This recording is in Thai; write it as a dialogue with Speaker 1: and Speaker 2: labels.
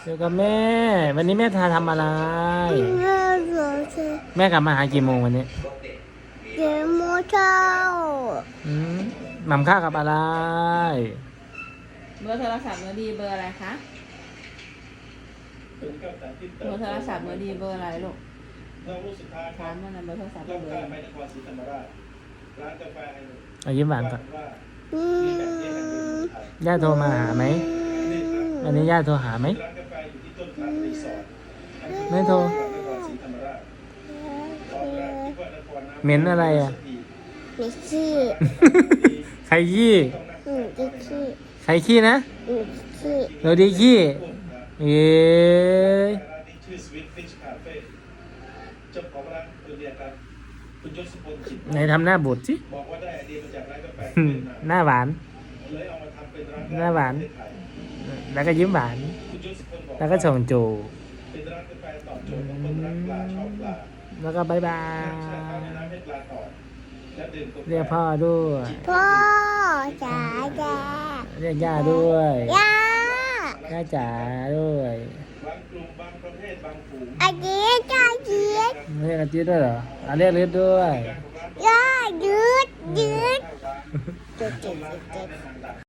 Speaker 1: อยู่กับแม่วันนี้แม่ทำอะไร
Speaker 2: แม่เหรอเธอ
Speaker 1: แม่กลับมาหากี่โมงวันนี้
Speaker 2: เดี๋ยวโมเช้า
Speaker 1: หม่ำข้าวกับอะไร
Speaker 3: เบอร์โทรศัพท์เมื่อดีเบอร์อะไรคะเบอร์โทรศัพท์เมื่อดีเบอร์อะไรลูกถามมันนะเบอร์โทรศัพท์เบอร์อะไร
Speaker 1: ยิ้มหวานก่อน
Speaker 2: อืม
Speaker 1: ย่าโทรมาหาไหมวันนี้ย่าโทรหาไหมไม่โทรเหม็นอะไรอ่ะ
Speaker 2: ไม่ขี้
Speaker 1: ใครขี้
Speaker 2: จะขี้
Speaker 1: ใครขี้นะ
Speaker 2: ขี้
Speaker 1: เราดีขี้เอ้ย
Speaker 4: ชื่อสวิตฟิชคาเฟ่เจ้าของร้านเรียนกันคุณยศพลจิต
Speaker 1: ไหนทำหน้าบูดสิ
Speaker 4: บอกว่าได้ไอเดียมาจากร้านกาแฟ
Speaker 1: หน้าหวาน
Speaker 4: เลยเอามาทำเป็นร้าน
Speaker 1: หน้าหวาน แล้วก็ยิ้มหวาน
Speaker 4: คุณยศพลบอก
Speaker 1: แล้วก็ส่งจู
Speaker 4: เป็นร้านกาแฟตอบโจทย์ของคนรักปลาชอบปลา
Speaker 1: แล้วก็บายบา
Speaker 4: ใช้ข้าวย น้ำให้ปลาก่อนและดื่มกาแฟ
Speaker 1: เรียกพ่อด้วย
Speaker 2: พ่อจ๋าจ๋า
Speaker 1: เรียกย่าด้วย
Speaker 2: ย่า
Speaker 1: ย่าจ๋าด้วย
Speaker 4: บางกลุ่มบางประเภทบางฝูง
Speaker 2: อาเจี๊ยบจ้าเจี๊ยบ
Speaker 1: เรียกอาทิตย์ด้วยเหรอเรียกฤทธิ์ด้วย
Speaker 2: ย่ายืดยืด
Speaker 4: ข้าวช้าง
Speaker 2: จุดจุด
Speaker 4: ร้าน
Speaker 2: จุด
Speaker 4: ค้าในต่าง